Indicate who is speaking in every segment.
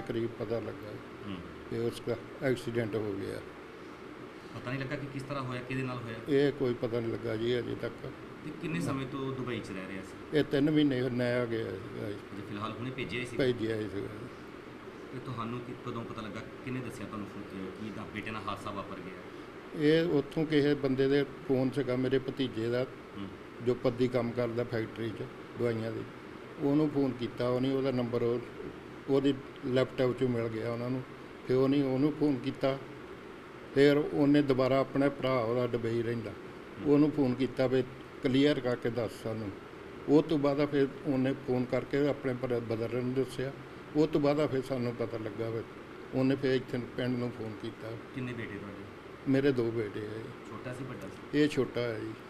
Speaker 1: करीब पता लगा कि उसका एक्सीडेंट हो गया।
Speaker 2: पता नहीं लगा कि किस तरह होया, किहदे नाल होया?
Speaker 1: ये कोई पता नहीं लगा जी अजे तक।
Speaker 2: ਤੇ ਕਿੰਨੇ ਸਮੇਂ ਤੋਂ ਦੁਬਈ 'ਚ ਰਹਿ ਰਿਹਾ ਸੀ?
Speaker 1: ये 3 महीने नया गया सीगा जी,
Speaker 2: ਜੇ ਫਿਲਹਾਲ ਹੁਣੇ ਭੇਜਿਆ ਹੀ ਸੀ।
Speaker 1: भेजिया ही सीगा।
Speaker 2: ਤੇ ਤੁਹਾਨੂੰ ਕਦੋਂ ਪਤਾ ਲੱਗਾ, ਕਿਹਨੇ ਦੱਸਿਆ ਤੁਹਾਨੂੰ ਕਿ ਦਾ ਬੇਟੇ ਨਾਲ ਹਾਦਸਾ ਵਾਪਰ ਗਿਆ?
Speaker 1: ਇਹ ਉੱਥੋਂ ਕਿਸੇ ਬੰਦੇ ਦੇ ਫੋਨ ਸੀਗਾ ਮੇਰੇ ਭਤੀਜੇ ਦਾ,
Speaker 2: ਹੂੰ।
Speaker 1: ਜੋ ਪੱਦੀ ਕੰਮ ਕਰਦਾ ਫੈਕਟਰੀ 'ਚ ਦਵਾਈਆਂ ਦੀ। ਉਹਨੂੰ ਫੋਨ ਕੀਤਾ, ਉਹਦਾ ਨੰਬਰ ਉਹਦੀ ਲੈਪਟਾਪ 'ਚੋਂ ਮਿਲ ਗਿਆ ਉਹਨਾਂ ਨੂੰ। ਫਿਰ ਉਹਨੂੰ ਫੋਨ ਕੀਤਾ। ਫਿਰ ਉਹਨੇ ਦੁਬਾਰਾ ਆਪਣੇ ਭਰਾ, ਉਹਦਾ ਦੁਬਈ ਰਹਿੰਦਾ, ਉਹਨੂੰ ਫੋਨ ਕੀਤਾ ਵੀ ਕਲੀਅਰ ਕਰਕੇ ਦੱਸ ਸਾਨੂੰ। ਉਹ ਤੋਂ ਬਾਅਦ ਫਿਰ ਉਹਨੇ ਫੋਨ ਕਰਕੇ ਆਪਣੇ ਬ੍ਰਦਰ ਨੂੰ ਦੱਸਿਆ। ਉਹ ਤੋਂ ਬਾਅਦ ਫਿਰ ਸਾਨੂੰ ਪਤਾ ਲੱਗਾ ਵੀ ਉਹਨੇ ਫਿਰ ਇੱਥੇ ਪਿੰਡ ਨੂੰ ਫੋਨ ਕੀਤਾ।
Speaker 2: ਕਿੰਨੇ ਬੇਟੇ ਤੁਹਾਡੇ?
Speaker 1: ਮੇਰੇ 2 ਬੇਟੇ ਹੈ ਜੀ।
Speaker 2: ਛੋਟਾ ਸੀ ਵੱਡਾ ਸੀ?
Speaker 1: ਇਹ ਛੋਟਾ ਹੈ ਜੀ।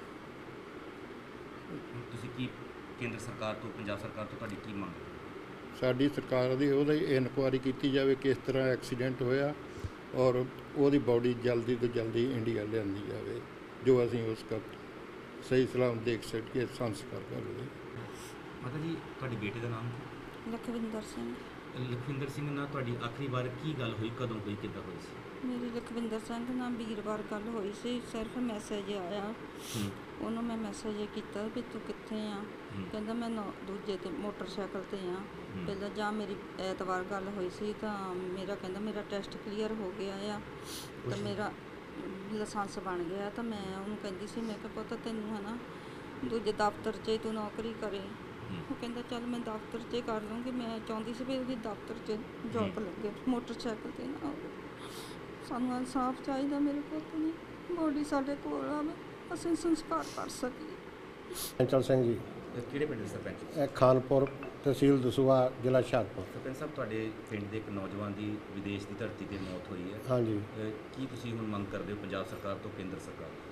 Speaker 2: ਤੁਸੀਂ ਕੀ ਕੇਂਦਰ ਸਰਕਾਰ ਤੋਂ, ਪੰਜਾਬ ਸਰਕਾਰ ਤੋਂ ਤੁਹਾਡੀ ਕੀ ਮੰਗ?
Speaker 1: ਸਾਡੀ ਸਰਕਾਰ ਦੀ ਉਹਦੀ ਇਨਕੁਆਇਰੀ ਕੀਤੀ ਜਾਵੇ ਕਿਸ ਤਰ੍ਹਾਂ ਐਕਸੀਡੈਂਟ ਹੋਇਆ, ਔਰ ਉਹਦੀ ਬਾਡੀ ਜਲਦੀ ਤੋਂ ਜਲਦੀ ਇੰਡੀਆ ਲਿਆਂਦੀ ਜਾਵੇ, ਜੋ ਅਸੀਂ ਉਸ ਦਾ ਸਹੀ ਸਲਾਮ ਦੇਖ ਸਕੀਏ, ਸੰਸਕਾਰ ਕਰ ਲਈਏ।
Speaker 2: ਮਾਤਾ ਜੀ, ਤੁਹਾਡੇ ਬੇਟੇ ਦਾ ਨਾਮ ਕੀ?
Speaker 3: ਲਖਵਿੰਦਰ ਸਿੰਘ।
Speaker 2: ਲਖਵਿੰਦਰ ਸਿੰਘ ਨਾਲ ਤੁਹਾਡੀ ਆਖਰੀ ਵਾਰ ਕੀ ਗੱਲ ਹੋਈ, ਕਦੋਂ ਹੋਈ, ਕਿੱਦਾਂ ਹੋਈ ਸੀ?
Speaker 3: ਮੇਰੀ ਲਖਵਿੰਦਰ ਸਿੰਘ ਨਾਲ ਵੀਰਵਾਰ ਗੱਲ ਹੋਈ ਸੀ। ਸਿਰਫ ਮੈਸੇਜ ਆਇਆ, ਉਹਨੂੰ ਮੈਂ ਮੈਸੇਜ ਕੀਤਾ ਵੀ ਤੂੰ ਕਿੱਥੇ ਆ। ਕਹਿੰਦਾ ਮੈਂ ਦੂਜੇ ਤੇ ਮੋਟਰਸਾਈਕਲ ਤੇ ਆ। ਪਹਿਲਾਂ ਜਾਂ ਮੇਰੀ ਐਤਵਾਰ ਗੱਲ ਹੋਈ ਸੀ ਤਾਂ ਕਹਿੰਦਾ ਮੇਰਾ ਟੈਸਟ ਕਲੀਅਰ ਹੋ ਗਿਆ ਆ ਤਾਂ ਮੇਰਾ ਲਾਇਸੈਂਸ ਬਣ ਗਿਆ। ਤਾਂ ਮੈਂ ਉਹਨੂੰ ਕਹਿੰਦੀ ਸੀ, ਮੈਂ ਕਿਹਾ ਪੁੱਤ ਤੈਨੂੰ ਹੈ ਨਾ ਦੂਜੇ ਦਫ਼ਤਰ 'ਚ ਤੂੰ ਨੌਕਰੀ ਕਰੇ। ਉਹ ਕਹਿੰਦਾ ਚੱਲ ਮੈਂ ਦਫ਼ਤਰ 'ਚ ਕਰ ਲੂੰਗੀ। ਮੈਂ ਚਾਹੁੰਦੀ ਸੀ ਵੀ ਉਹਦੀ ਦਫ਼ਤਰ 'ਚ ਜੌਬ ਲੱਗੇ, ਮੋਟਰਸਾਈਕਲ 'ਤੇ ਨਾ ਹੋਵੇ। ਸਾਨੂੰ ਇਨਸਾਫ ਚਾਹੀਦਾ, ਮੇਰੇ ਪੁੱਤ ਦੀ ਬੋਡੀ ਸਾਡੇ ਕੋਲ ਆਵੇ, ਅਸੀਂ ਸੰਸਕਾਰ ਕਰ ਸਕੀਏ।
Speaker 4: ਚੰਚਲ ਸਿੰਘ ਜੀ,
Speaker 2: ਕਿਹੜੇ ਪਿੰਡ ਦੇ ਸਰਪੰਚ?
Speaker 4: ਇਹ ਖਾਨਪੁਰ, ਤਹਿਸੀਲ ਦਸੂਹਾ, ਜ਼ਿਲ੍ਹਾ ਹੁਸ਼ਿਆਰਪੁਰ।
Speaker 2: ਸਰਪੰਚ ਸਾਹਿਬ, ਤੁਹਾਡੇ ਪਿੰਡ ਦੇ ਇੱਕ ਨੌਜਵਾਨ ਦੀ ਵਿਦੇਸ਼ ਦੀ ਧਰਤੀ 'ਤੇ ਮੌਤ ਹੋਈ ਹੈ।
Speaker 4: ਹਾਂਜੀ।
Speaker 2: ਕੀ ਤੁਸੀਂ ਹੁਣ ਮੰਗ ਕਰਦੇ ਹੋ ਪੰਜਾਬ ਸਰਕਾਰ ਤੋਂ, ਕੇਂਦਰ ਸਰਕਾਰ ਤੋਂ?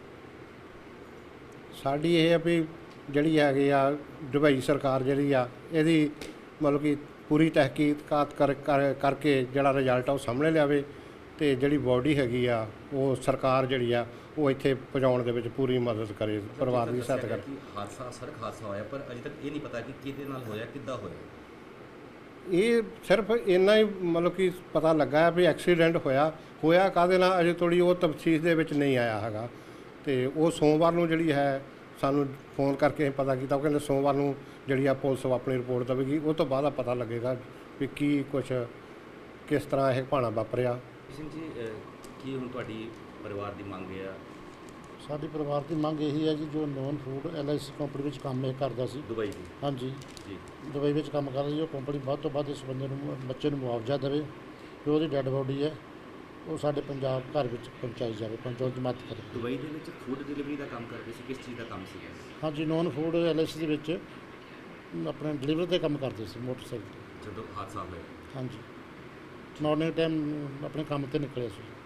Speaker 4: ਸਾਡੀ ਇਹ ਆ ਵੀ ਜਿਹੜੀ ਹੈਗੀ ਆ ਦੁਬਈ ਸਰਕਾਰ ਜਿਹੜੀ ਆ ਇਹਦੀ ਮਤਲਬ ਕਿ ਪੂਰੀ ਤਹਿਕੀਕਾਤ ਕਰਕੇ ਜਿਹੜਾ ਰਿਜ਼ਲਟ ਆ ਉਹ ਸਾਹਮਣੇ ਲਿਆਵੇ, ਅਤੇ ਜਿਹੜੀ ਬਾਡੀ ਹੈਗੀ ਆ ਉਹ ਸਰਕਾਰ ਜਿਹੜੀ ਆ ਉਹ ਇੱਥੇ ਪਹੁੰਚਾਉਣ ਦੇ ਵਿੱਚ ਪੂਰੀ ਮਦਦ ਕਰੇ, ਪਰਿਵਾਰ ਦੀ ਸਹਾਇਤਾ ਕਰੇ।
Speaker 2: ਹਾਦਸਾ, ਸੜਕ ਹਾਦਸਾ ਹੋਇਆ, ਪਰ ਅਜੇ ਤੱਕ ਇਹ ਨਹੀਂ ਪਤਾ ਕਿ ਕਿਹਦੇ ਨਾਲ ਹੋਇਆ, ਕਿੱਦਾਂ ਹੋਇਆ।
Speaker 4: ਇਹ ਸਿਰਫ ਇੰਨਾ ਹੀ ਮਤਲਬ ਕਿ ਪਤਾ ਲੱਗਾ ਵੀ ਐਕਸੀਡੈਂਟ ਹੋਇਆ ਕਾਹਦੇ ਨਾਲ ਅਜੇ ਥੋੜ੍ਹੀ ਉਹ ਤਫਸੀਲ ਦੇ ਵਿੱਚ ਨਹੀਂ ਆਇਆ ਹੈਗਾ। ਅਤੇ ਉਹ ਸੋਮਵਾਰ ਨੂੰ ਜਿਹੜੀ ਹੈ ਸਾਨੂੰ ਫੋਨ ਕਰਕੇ ਪਤਾ ਕੀਤਾ। ਉਹ ਕਹਿੰਦੇ ਸੋਮਵਾਰ ਨੂੰ ਜਿਹੜੀ ਆ ਪੁਲਿਸ ਆਪਣੀ ਰਿਪੋਰਟ ਦੇਵੇਗੀ, ਉਹ ਤੋਂ ਬਾਅਦ ਪਤਾ ਲੱਗੇਗਾ ਵੀ ਕੀ ਕੁਛ ਕਿਸ ਤਰ੍ਹਾਂ ਇਹ ਭਾਣਾ ਵਾਪਰਿਆ।
Speaker 2: ਸਿੰਘ ਜੀ, ਕੀ ਹੁਣ ਤੁਹਾਡੀ ਪਰਿਵਾਰ ਦੀ ਮੰਗ ਹੈ?
Speaker 5: ਸਾਡੀ ਪਰਿਵਾਰ ਦੀ ਮੰਗ ਇਹੀ ਹੈ ਜੀ, ਜੋ ਨੋਨ ਫੂਡ LIC ਕੰਪਨੀ ਵਿੱਚ ਕੰਮ ਇਹ ਕਰਦਾ ਸੀ
Speaker 2: ਦੁਬਈ ਦੀ।
Speaker 5: ਹਾਂਜੀ
Speaker 2: ਜੀ।
Speaker 5: ਦੁਬਈ ਵਿੱਚ ਕੰਮ ਕਰਦਾ ਸੀ। ਉਹ ਕੰਪਨੀ ਵੱਧ ਤੋਂ ਵੱਧ ਇਸ ਬੰਦੇ ਨੂੰ, ਬੱਚੇ ਨੂੰ ਮੁਆਵਜ਼ਾ ਦੇਵੇ, ਜੋ ਉਹਦੀ ਡੈੱਡ ਬੋਡੀ ਹੈ ਉਹ ਸਾਡੇ ਪੰਜਾਬ ਘਰ ਵਿੱਚ ਪਹੁੰਚਾਈ ਜਾਵੇ, ਪਹੁੰਚਾਉਣ ਦੀ ਮਦਦ ਕਰੇ।
Speaker 2: ਦੁਬਈ ਦੇ ਵਿੱਚ ਫੂਡ ਡਿਲੀਵਰੀ ਦਾ ਕੰਮ ਕਰਦੇ ਸੀ, ਕਿਸ ਚੀਜ਼ ਦਾ ਕੰਮ ਸੀਗਾ?
Speaker 5: ਹਾਂਜੀ, ਨੋਨ ਫੂਡ LIC ਦੇ ਵਿੱਚ ਆਪਣੇ ਡਿਲੀਵਰੀ ਦੇ ਕੰਮ ਕਰਦੇ ਸੀ ਮੋਟਰਸਾਈਕਲ 'ਤੇ।
Speaker 2: ਜਦੋਂ ਹਾਦਸਾ ਹੋਇਆ?
Speaker 5: ਹਾਂਜੀ, ਮਾਰਨਿੰਗ ਟਾਈਮ ਆਪਣੇ ਕੰਮ 'ਤੇ ਨਿਕਲੇ ਸੀ।